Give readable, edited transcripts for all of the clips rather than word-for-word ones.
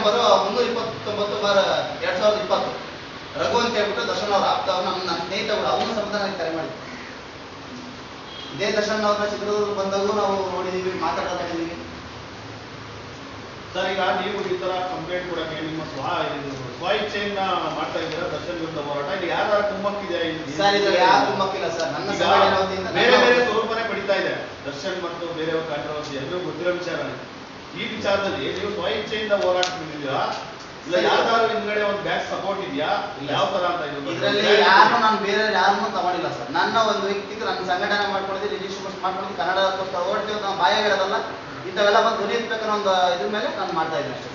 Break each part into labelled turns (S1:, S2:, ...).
S1: Number 329/2020 Raghu ಅಂತ ಹೇಳ್ಬಿಟ್ಟು ದರ್ಶನ್ ಅವ್ರ ಆಪ್ತ ನನ್ನ ಸ್ನೇಹಿತ ಕೂಡ ಅವನು ಸಮೇತ ನನಗೆ ಕರೆ ಮಾಡಿದ್ದೆ. ಇದೇ ದರ್ಶನ್ ಅವ್ರನ್ನ ಚಿತ್ರದುರ್ಗ ಬಂದಾಗೂ ನಾವು ನೋಡಿದೀವಿ, ಮಾತಾಡಿದೀವಿ.
S2: ಸರ್, ಈಗ ನೀವು ಈ ತರ ಕಂಪ್ಲೇಂಟ್ ಕೊಡಕ್ಕೆ ನಿಮ್ಮ ಸ್ವ ಇಚ್ಛೆಯನ್ನ ಮಾಡ್ತಾ ಇದ್ದೀರಾ ದರ್ಶನ್ ವಿರುದ್ಧ ಹೋರಾಟ, ಇಲ್ಲಿ ಯಾರ ಕುಮ್ಮಕ್ಕಿದೆ?
S1: ಸರ್, ಇದ್ರಲ್ಲಿ ಯಾರು ಕುಮ್ಮಕ್ಕಿಲ್ಲ ಸರ್. ನನ್ನ
S2: ಬೇರೆ ಬೇರೆ ಸ್ವರೂಪನೇ ಪಡಿತಾ ಇದೆ ದರ್ಶನ್ ಮತ್ತು ಬೇರೆಯವ್ರ ಕಾಂಟ್ರವರ್ಸಿ ಎಲ್ಲರೂ ಗೊತ್ತಿರೋ ವಿಚಾರನೇ. ಈ ವಿಚಾರದಲ್ಲಿ ನೀವು ಸ್ವ ಇಚ್ಛೆಯಿಂದ ಹೋರಾಟ ಬಂದಿದ್ದೀರಾ, ಇಲ್ಲ ಯಾವ್ದಾದ್ರು ಹಿಂದ್ಗಡೆ ಒಂದು ಬ್ಯಾಕ್ ಸಪೋರ್ಟ್ ಇದೆಯಾ, ಯಾವ ತರ ಅಂತ?
S1: ಇದರಲ್ಲಿ ಯಾರು ನಾನು ಬೇರೆ ಯಾರನ್ನೂ ತಗೊಂಡಿಲ್ಲ ಸರ್. ನನ್ನ ಒಂದು ವ್ಯಕ್ತಿಗೆ ನನ್ನ ಸಂಘಟನೆ ಮಾಡ್ಕೊಂಡಿದ್ದು, ರಿಜಿಸ್ಟ್ರೇಷನ್ ಮಾಡ್ಕೊಂಡು ಕನ್ನಡಕ್ಕೋಸ್ಕರ ಓಡ್ತೀವಿ, ನಾವು ಬಾಯಾಗಿರೋದಲ್ಲ. ಇಂಥವೆಲ್ಲ ಬಂದು ಧ್ವನಿ ಎತ್ತಬೇಕನ್ನೋ ಒಂದು ಇದ್ರ ಮೇಲೆ ನಾನು ಮಾಡ್ತಾ ಇದ್ದೀನಿ ಅಷ್ಟೇ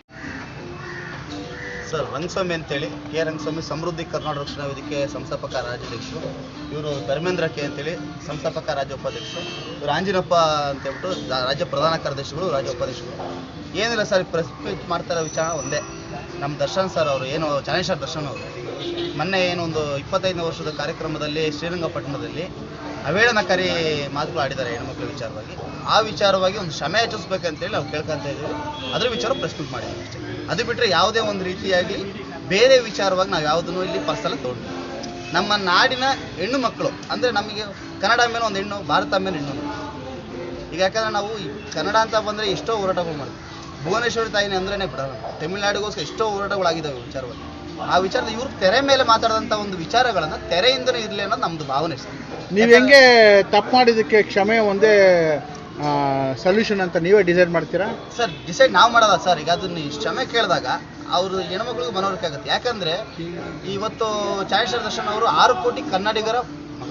S1: ಸರ್. ರಂಗಸ್ವಾಮಿ ಅಂತೇಳಿ, ಕೆ ರಂಗಸ್ವಾಮಿ, ಸಮೃದ್ಧಿ ಕರ್ನಾಟಕ ರಕ್ಷಣಾ ವೇದಿಕೆ ಸಂಸ್ಥಾಪಕ ರಾಜ್ಯಾಧ್ಯಕ್ಷರು. ಇವರು ಧರ್ಮೇಂದ್ರ ಕೆ ಅಂತೇಳಿ ಸಂಸ್ಥಾಪಕ ರಾಜ್ಯ ಉಪಾಧ್ಯಕ್ಷರು. ಇವರು ಆಂಜಿನಪ್ಪ ಅಂತೇಳ್ಬಿಟ್ಟು ರಾಜ್ಯ ಪ್ರಧಾನ ಕಾರ್ಯದರ್ಶಿಗಳು, ರಾಜ್ಯ ಉಪಾಧ್ಯಕ್ಷರು. ಏನಿಲ್ಲ ಸರ್, ಪ್ರೆಸ್ ಮೀಟ್ ಮಾಡ್ತಾ ಇರೋ ವಿಚಾರ ಒಂದೇ. ನಮ್ಮ ದರ್ಶನ್ ಸರ್ ಅವರು ಏನು ಚಾನೇಶ್ವರ ದರ್ಶನ್ ಅವರು ಮೊನ್ನೆ ಏನು ಒಂದು 25ನೇ ವರ್ಷದ ಕಾರ್ಯಕ್ರಮದಲ್ಲಿ ಶ್ರೀರಂಗಪಟ್ಟಣದಲ್ಲಿ ಅವೇಳನಕಾರಿ ಮಾತುಗಳು ಆಡಿದ್ದಾರೆ ಹೆಣ್ಮಕ್ಳ ವಿಚಾರವಾಗಿ. ಆ ವಿಚಾರವಾಗಿ ಒಂದು ಕ್ಷಮೆ ಯಾಚಿಸ್ಬೇಕಂತೇಳಿ ನಾವು ಕೇಳ್ಕೊಂತ ಇದ್ದೀವಿ. ಅದ್ರ ವಿಚಾರ ಪ್ರೆಸ್ ಮೀಟ್ ಮಾಡಿದ್ದೀವಿ ಅಷ್ಟೇ. ಅದು ಬಿಟ್ಟರೆ ಯಾವುದೇ ಒಂದು ರೀತಿಯಾಗಿ ಬೇರೆ ವಿಚಾರವಾಗಿ ನಾವು ಯಾವುದನ್ನು ಇಲ್ಲಿ ಪರ್ಸಲ್ಲಿ ತೊಗೊಂಡು, ನಮ್ಮ ನಾಡಿನ ಹೆಣ್ಣು ಮಕ್ಕಳು ಅಂದರೆ ನಮಗೆ ಕನ್ನಡ ಮೇಲೆ ಒಂದು ಹೆಣ್ಣು, ಭಾರತ ಮೇಲೆ ಹೆಣ್ಣು. ಈಗ ಯಾಕಂದರೆ ನಾವು ಈ ಕನ್ನಡ ಅಂತ ಬಂದರೆ ಎಷ್ಟೋ ಹೋರಾಟಗಳು ಮಾಡ್ತೀವಿ. ಭುವನೇಶ್ವರಿ ತಾಯಿನೇ ಅಂದ್ರೇ ಬಿಡೋಣ, ತಮಿಳುನಾಡಿಗೋಸ್ಕರ ಎಷ್ಟೋ ಹೋರಾಟಗಳಾಗಿದ್ದಾವೆ ವಿಚಾರವಾಗಿ. ಆ ವಿಚಾರದ ಇವ್ರು ತೆರೆ ಮೇಲೆ ಮಾತಾಡಿದಂಥ ಒಂದು ವಿಚಾರಗಳನ್ನು ತೆರೆಯಿಂದನೇ ಇರಲಿ ಅನ್ನೋದು ನಮ್ಮದು ಭಾವನೆ ಸರ್.
S3: ನೀವು ಹೆಂಗೆ ತಪ್ಪು ಮಾಡಿದ್ದಕ್ಕೆ ಕ್ಷಮೆ ಒಂದೇ ಸೊಲ್ಯೂಷನ್ ಅಂತ ನೀವೇ ಡಿಸೈಡ್ ಮಾಡ್ತೀರಾ
S1: ಸರ್? ಡಿಸೈಡ್ ನಾವು ಮಾಡೋದ ಸರ್. ಈಗ ಅದನ್ನ ಕ್ಷಮೆ ಕೇಳಿದಾಗ ಅವರು ಹೆಣ್ಮಕ್ಳಿಗೆ ಮನವರಿಕೆ ಆಗುತ್ತೆ. ಯಾಕಂದರೆ ಇವತ್ತು ಚಾನೇಶ್ವರ ದರ್ಶನ್ ಅವರು 6 ಕೋಟಿ ಕನ್ನಡಿಗರ ಮಗ.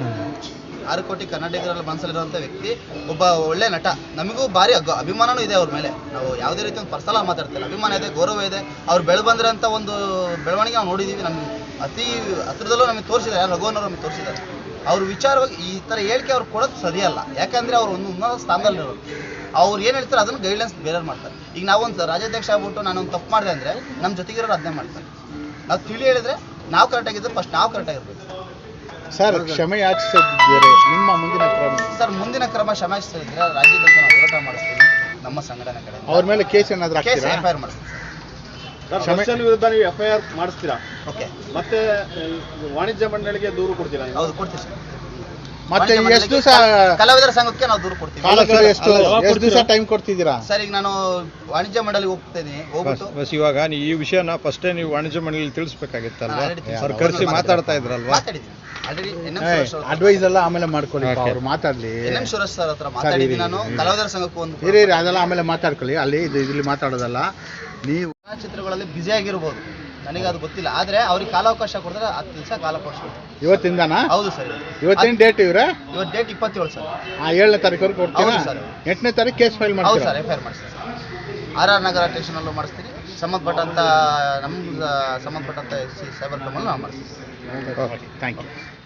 S1: 6 ಕೋಟಿ ಕನ್ನಡಿಗರಲ್ಲಿ ಮನಸ್ಸಲ್ಲಿರುವಂಥ ವ್ಯಕ್ತಿ, ಒಬ್ಬ ಒಳ್ಳೆ ನಟ. ನಮಗೂ ಭಾರಿ ಅಭಿಮಾನನೂ ಇದೆ ಅವ್ರ ಮೇಲೆ. ನಾವು ಯಾವುದೇ ರೀತಿ ಒಂದು ಪರ್ಸನಲ್ ಮಾತಾಡ್ತಿಲ್ಲ, ಅಭಿಮಾನ ಇದೆ, ಗೌರವ ಇದೆ. ಅವ್ರು ಬಂದಿರೋಂಥ ಒಂದು ಬೆಳವಣಿಗೆ ನಾವು ನೋಡಿದ್ದೀವಿ. ನಮ್ಗೆ ಅತಿ ಹತ್ರದಲ್ಲೂ ನಮಗೆ ತೋರಿಸಿದ್ದಾರೆ, ರಘುವನ್ನವರು ನಮಗೆ ತೋರಿಸಿದ್ದಾರೆ. ಅವ್ರ ವಿಚಾರವಾಗಿ ಈ ಥರ ಹೇಳಿಕೆ ಅವ್ರು ಕೊಡೋದು ಸರಿಯಲ್ಲ. ಯಾಕಂದರೆ ಅವ್ರು ಒಂದು ಉನ್ನತ ಸ್ಥಾನದಲ್ಲಿರೋರು. ಅವ್ರು ಏನು ಹೇಳ್ತಾರೆ ಅದನ್ನು ಗೈಡ್ಲೈನ್ಸ್ ಬೇರೆಯವ್ರು ಮಾಡ್ತಾರೆ. ಈಗ ನಾವೊಂದು ರಾಜ್ಯಾಧ್ಯಕ್ಷ ಆಗ್ಬಿಟ್ಟು ನಾನೊಂದು ತಪ್ಪು ಮಾಡಿದೆ ಅಂದರೆ ನಮ್ಮ ಜೊತೆಗಿರೋರು ಅದನ್ನೇ ಮಾಡ್ತಾರೆ. ನಾವು ತಿಳಿ ಹೇಳಿದ್ರೆ ನಾವು ಕರೆಕ್ಟಾಗಿದ್ದರೆ ಫಸ್ಟ್ ನಾವು ಕರೆಕ್ಟಾಗಿರ್ಬೇಕು
S3: ಸರ್. ಕ್ಷಮೆ ಯಾಚಿಸಿದ್ರೆ ನಿಮ್ಮ ಮುಂದಿನ ಕ್ರಮ?
S1: ಸರ್, ಮುಂದಿನ ಕ್ರಮ ಕ್ಷಮೆ ಯಾಚಿಸಿದ್ರೆ ರಾಜ್ಯದಲ್ಲಿ ನಾವು ಹೋರಾಟ ಮಾಡಿಸ್ತೀವಿ. ನಮ್ಮ ಸಂಘಟನೆ ಕಡೆ
S3: ಅವ್ರ ಮೇಲೆ ಕೇಸ್ ಏನಾದರೂ
S1: ಕೇಸ್ FIR ಮಾಡಿಸ್ತೀವಿ
S2: ಸರ್. ದರ್ಶನ್ ವಿರುದ್ಧ ನೀವು FIR ಮಾಡಿಸ್ತೀರಾ?
S1: ಓಕೆ.
S2: ಮತ್ತೆ ವಾಣಿಜ್ಯ ಮಂಡಳಿಗೆ ದೂರು ಕೊಡ್ತೀರಾ?
S1: ಹೌದು, ಕೊಡ್ತೀವಿ ಸರ್.
S3: ಮತ್ತೆ ಎಷ್ಟು ದಿವಸ
S1: ಕಲಾವಿದರ ಸಂಘಕ್ಕೆ ನಾವು ದೂರು ಕೊಡ್ತೀವಿ.
S3: ಎಷ್ಟು ದಿವಸ ಟೈಮ್ ಕೊಡ್ತಿದ್ದೀರಾ
S1: ಸರ್? ಈಗ ನಾನು ವಾಣಿಜ್ಯ ಮಂಡಳಿಗೆ ಹೋಗ್ತೇನೆ, ಹೋಗ್ಬಿಟ್ಟು
S4: ಇವಾಗ ಈ ವಿಷಯನ ಫಸ್ಟೇ ನೀವು ವಾಣಿಜ್ಯ ಮಂಡಳಿ ತಿಳಿಸ್ಬೇಕಾಗಿತ್ತಲ್ವಾ? ಅವ್ರು ಕರೆಸಿ ಮಾತಾಡ್ತಾ ಇದ್ರಲ್ವಾ?
S1: ಮಾತಾಡಿದ್ದೀನಿ ಆಲ್ರೆಡಿ.
S3: ಅಡ್ವೈಸ್ ಎಲ್ಲ ಆಮೇಲೆ ಮಾಡ್ಕೊಳ್ಳಿ, ಅವ್ರು ಮಾತಾಡ್ಲಿ.
S1: NM ಸುರೇಶ್ ಸರ್ ಹತ್ರ ಮಾತಾಡಿದ್ದೀನಿ ನಾನು. ಕಲಾವಿದರ ಸಂಘಕ್ಕೂ ಒಂದು
S3: ಅದೆಲ್ಲ ಆಮೇಲೆ ಮಾತಾಡ್ಕೊಳ್ಳಿ. ಅಲ್ಲಿ ಇಲ್ಲಿ ಮಾತಾಡೋದಲ್ಲ. ನೀವು
S1: ಚಿತ್ರಗಳಲ್ಲಿ ಬ್ಯುಸಿ ಆಗಿರ್ಬೋದು, ನನಗೆ ಅದು ಗೊತ್ತಿಲ್ಲ. ಆದರೆ ಅವ್ರಿಗೆ ಕಾಲಾವಕಾಶ ಕೊಡಿದ್ರೆ 10 ದಿವಸ ಕಾಲಾವಕಾಶ ಕೊಡ್ತೀವಿ.
S3: ಇವತ್ತಿಂದನಾ?
S1: ಹೌದು ಸರ್.
S3: ಇವತ್ತಿನ ಡೇಟ್ ಇವ್ರೆ?
S1: ಇವತ್ತು ಡೇಟ್ 27 ಸರ್.
S3: 7ನೇ ತಾರೀಕುವರೆಗೆ ಕೊಡ್ತೀರಾ?
S1: ಹೌದು ಸರ್.
S3: 8ನೇ ತಾರೀಕು ಕೇಸ್ ಫೈಲ್
S1: ಹೌದು
S3: ಮಾಡ್ತೀರಾ?
S1: ಸರ್, FIR ಮಾಡಿಸ್ತೀನಿ ಸರ್. RR ನಗರ ಸ್ಟೇಷನಲ್ಲೂ ಮಾಡಿಸ್ತೀನಿ, ಸಂಬಂಧಪಟ್ಟಂಥ ನಮ್ಮ ಸಂಬಂಧಪಟ್ಟಂಥ SC ಸೈಬರ್ ಕ್ರೈಮಲ್ಲೂ ನಾವು ಮಾಡಿಸ್ತೀವಿ.
S3: Thank you.